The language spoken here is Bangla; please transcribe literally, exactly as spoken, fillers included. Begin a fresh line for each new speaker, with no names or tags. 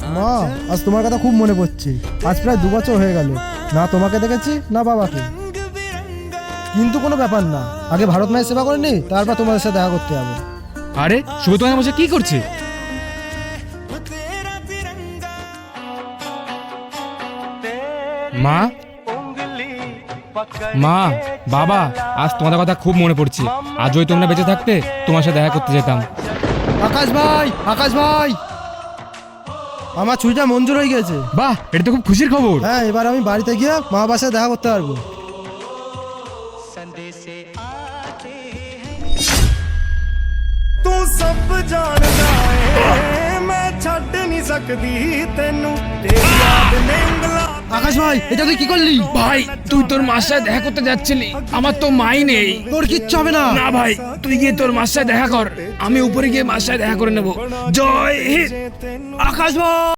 মা, আজ তোমার কথা খুব মনে পড়ছে। আজ প্রায় দু বছর হয়ে গেল, না তোমাকে দেখেছি না বাবাকে। কিন্তু কোনো ব্যাপার না, আগে ভারত মায়ের সেবা করে নি, তারপর তোমাদের সাথে দেখা করতে যাবো।
আরে শুভ তোমার বসে কি করছে? মা মা বাবা, আজ তোমাদের কথা খুব মনে পড়ছে। আজ ওই তোমরা বেঁচে থাকতে তোমার সাথে দেখা করতে যেতাম।
আকাশ ভাই, আকাশ ভাই, আমার ছুটিটা মঞ্জুর হয়ে গেছে।
বাহ, এটা তো খুব খুশির খবর।
হ্যাঁ, এবার আমি বাড়িতে গিয়ে মা বাবার সাথে দেখা করতে পারবো।
ਤੂੰ ਸਭ ਜਾਣਦਾ ਏ ਮੈਂ ਛੱਡ ਨਹੀਂ ਸਕਦੀ ਤੈਨੂੰ ਤੇਰੀ ਯਾਦ ਨੇ ਉਂਗਲਾਂ
আকাশ ভাই, এটা তুই কি করলি?
ভাই, তুই তোর মার সাথে দেখা করতে যাচ্ছিলি, আমার তো মাই নেই।
তোর কিচ্ছু হবে না।
না ভাই, তুই গিয়ে তোর মার সাথে দেখা কর, আমি উপরে গিয়ে মার সাথে দেখা করে নেবো। জয় হিন্দ।
আকাশ ভাই।